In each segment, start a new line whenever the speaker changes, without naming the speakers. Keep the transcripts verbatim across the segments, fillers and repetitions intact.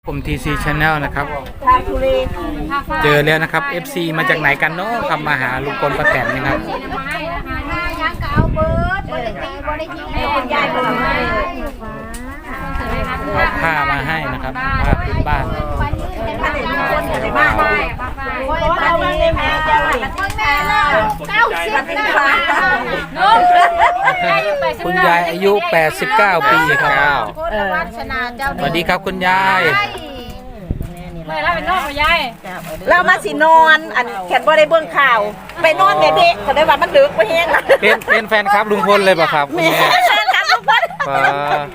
ผม ที ซี Channel นะครับ
ทางทุเรศ
เจอแล้วนะครับ เอฟ ซี มาจากไหนกันเนาะครับมาหาลุงพลป้าแตนนะครับ
ยังก็เอาเบิร์ดบริตีบริตีให้คุณยายมาให้
เอาผ้ามาให้นะครับผ้าพื้นบ้าน
ถ้าเด็กมีคนในบ้านเอามาเลยแม่เจ้าหน้าที่แม่เราเก้าสิบนะคะ
คุณยายอายุ แปดสิบเก้า ปีครับ
วัฒนาเจ้า
สวัสดีครับคุณยาย
ไม่แล้วเป็นนอกของยาย
เรามาสินอนอันแขนบ่ได้เบื้องข่าว ไปนอนเด็กๆเขาได้ว่ามันดึกไปแห้งละ
เป็นเป็นแฟนครับลุงพลเลยป่ะครับคุณ
แม่
แม่
ครับทุกคน
ป้า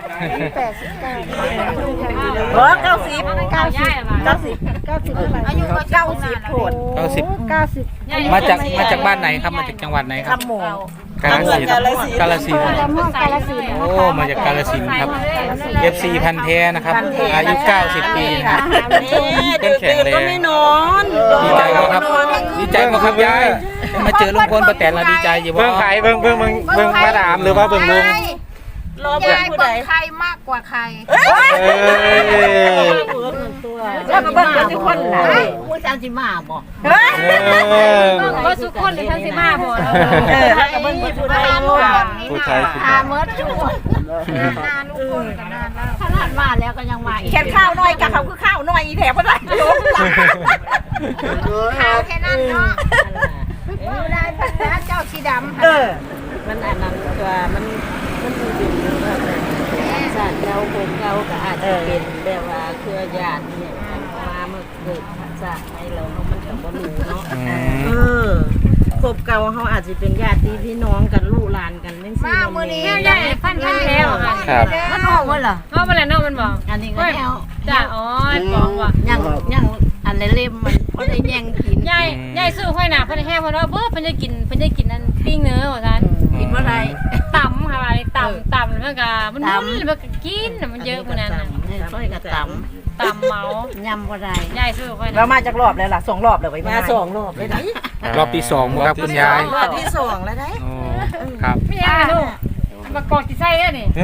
เออเก้าสิบ
เก้าย่ายมา
เก้าสิบเก้าสิบอายุเก้าสิบโผล่
เก้าสิบ
เก้าสิบ
มาจากมาจากบ้านไหนครับมาจากจังหวัดไหนครับ
ลำหมู
กาฬสินธุ์กาฬสินธุ์
กาลสิน
โอ้มาจากกาฬสินธุ์ครับ เอฟ ซี พันธุ์แท้นะครับอายุ เก้าสิบ ปีนะครับ
ตื่นตื่นก็ไม่นอน
ดีใจไหมครับดีใจไหมครับยายมาเจอลุงพลป้าแตนเราดีใจอยู่บ่
เบิ่งไข่เบิ่งเบิ่งเบิ่งเบิ่งมาดามหรือว่าเบิ่งลุง
รอเบิ่งผู้ใด
ใครมากกว่าใคร
เอ้ย
แล้วก็เบิ่งกันทุกคนล่ะ
ผู้ชายสิมาบ่
เฮ้ย
เออ
ว่าสุกคนหรือทั้งสิมาบ่
เออแล้วก็เบิ่งผู้ใด
ผู้ชายผู้
ตา
ชาย
เมิดชั่วนานลูกคนกันนานแล้วขนาดมาแล้วก็ยังมาอีก
แค่ข้าวน้อยกับเขาคือข้าวน้อยอีแถวบ่ได้
ข่าวแค่นั้นเนาะอยู่ได้พันนะเจ้าสีดำ
เออ
มันอันนั้นก็มันมันดูดีว่าศาสตร์เก่าคนเก่าก็อาจจะเป็นแบบว่าเครือญาติเนี่ยมาเมื่อเกิดศาสตร์ให้เราเนาะมันก็บ่รู้เนาะ
อื
เอ
ม
อครบเก่าเขาอาจจะเป็นญาติพี่น้องกันลูกหลานกันเป็นสี่
มามือนี้
แม่ยายฟันพันแท้ค่ะ
ครับ
มันออกมาเหรอ
เพราะมันแหละนอกมันบอก
อันนี้ก็แนว
จ้าอ๋อบอกว่า
ยังยังอันเล่มมันเพราะได้แย่งกิน
ยายยายซื้อห้อยหนาเพิ่นแห้งเพิ่นว่าเบิ่เพิ่นจะกินเพิ่นจะกินนั่นปิ้งเนื้อว่าซั่น
กินเมื่อไร
ต่ำค่ะต่ำต่ำแล้วก็มันมันมันก็กินมันเยอะมื้อนั้นน่ะ
ค่อยกระต
ต่ำเมา
ำยำว่าไร
ยายซื้อห้อยห
เรา
นา
มาจากรอบแล้วล่ะสองรอบแล้วไว้
มาสองรอบเลยนะ
รอบที่สองครับคุณยาย
รอบที่สองแล้วได้
โอ้ครับ
ไม่ยังลูกมากอกที่ไส้แล้วนี่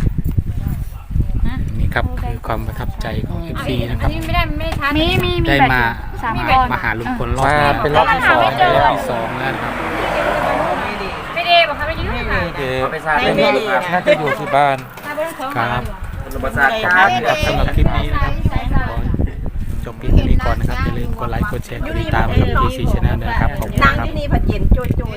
นี่ครับคือความประทับใจของ เอฟ ซี นะค
อั
รับ
นนี้ไม่ได้ไม่ทันมีมี
ได้มามามาหาลุงพลรอบ
มา
นี้
เป็นรอบที่สอง
เป็น
แล้
รอบ
ว
ที่สองแล้วนะครับ
ไม่ได้บอกค่ะไม่ยืดค่ะ
เดี๋ยวน่าจะอยู่ที่บ้าน
ถ้าเบิ่งของ
ครับ
ครับ
ครับสำหรับคลิปนี้นะครับขอจบเพียงเท่านี้ก่อนนะครับอย่าลืมกดไลค์กดแชร์กดติดตามให้กับ ที ซี Channel ด้วยนะครับขอบคุณ
นั่ง
ครับ
ที่นี่ผัดเย็นโจย